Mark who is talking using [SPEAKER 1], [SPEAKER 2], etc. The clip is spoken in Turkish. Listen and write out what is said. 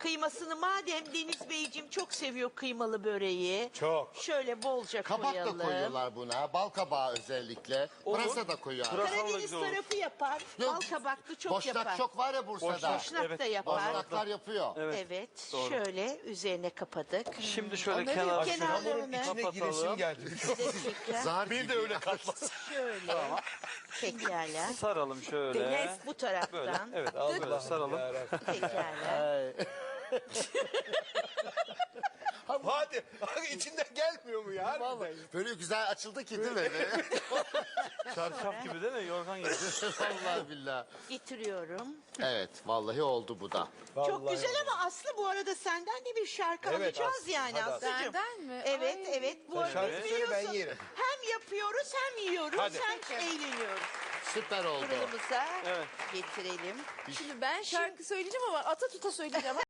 [SPEAKER 1] kıymasını madem Deniz Beyciğim çok seviyor kıymalı böreği.
[SPEAKER 2] Çok.
[SPEAKER 1] Şöyle bolca
[SPEAKER 3] Kabak
[SPEAKER 1] koyalım.
[SPEAKER 3] da koyuyorlar buna. Bal kabağı özellikle. Pırasa da koyuyor.
[SPEAKER 2] Pırasa-
[SPEAKER 1] Karadeniz
[SPEAKER 2] güzel olur.
[SPEAKER 1] tarafı yapar.
[SPEAKER 3] Yok,
[SPEAKER 1] Bal kabaklı çok
[SPEAKER 3] Boşnak
[SPEAKER 1] yapar.
[SPEAKER 3] çok var ya Bursa'da.
[SPEAKER 2] Boşnak.
[SPEAKER 1] Boşnak
[SPEAKER 2] Evet,
[SPEAKER 1] da yapar.
[SPEAKER 3] Boşnaklar yapıyor.
[SPEAKER 1] Evet.
[SPEAKER 2] Doğru.
[SPEAKER 1] Şöyle üzerine kapadık.
[SPEAKER 2] Şimdi şöyle
[SPEAKER 1] Onların
[SPEAKER 2] kenar
[SPEAKER 1] kenarlarını
[SPEAKER 2] şunu
[SPEAKER 4] İçine giresim
[SPEAKER 2] kapatalım.
[SPEAKER 4] geldi.
[SPEAKER 1] bir dakika.
[SPEAKER 3] Zar
[SPEAKER 2] Bir de öyle katlasın.
[SPEAKER 1] Şöyle. Pekala.
[SPEAKER 2] Saralım şöyle.
[SPEAKER 1] Bu
[SPEAKER 2] Böyle.
[SPEAKER 1] taraftan.
[SPEAKER 2] Evet böyle saralım.
[SPEAKER 1] Pekala.
[SPEAKER 4] Hadi. İçinden gelmiyor mu ya?
[SPEAKER 3] Vallahi böyle güzel açıldı ki değil mi?
[SPEAKER 2] Çarşaf gibi değil mi? Yorgan gibi.
[SPEAKER 3] Vallahi billahi.
[SPEAKER 1] Getiriyorum.
[SPEAKER 3] Evet vallahi oldu bu da.
[SPEAKER 1] Çok güzel ama Aslı bu arada senden de bir şarkı
[SPEAKER 4] Evet,
[SPEAKER 1] alacağız
[SPEAKER 4] Aslı.
[SPEAKER 1] yani
[SPEAKER 4] Hadi
[SPEAKER 1] Aslı'cığım.
[SPEAKER 5] Benden mi?
[SPEAKER 1] Evet
[SPEAKER 5] Ay.
[SPEAKER 1] evet. Bu arada
[SPEAKER 4] şarkı söyle, ben
[SPEAKER 1] biliyorsun
[SPEAKER 4] yerim.
[SPEAKER 1] hem yapıyoruz hem yiyoruz
[SPEAKER 4] Hadi.
[SPEAKER 1] hem eğleniyoruz.
[SPEAKER 3] Süper oldu.
[SPEAKER 1] Fırınımıza
[SPEAKER 2] Evet.
[SPEAKER 1] getirelim.
[SPEAKER 5] Şimdi ben şarkı söyleyeceğim ama ata tuta söyleyeceğim.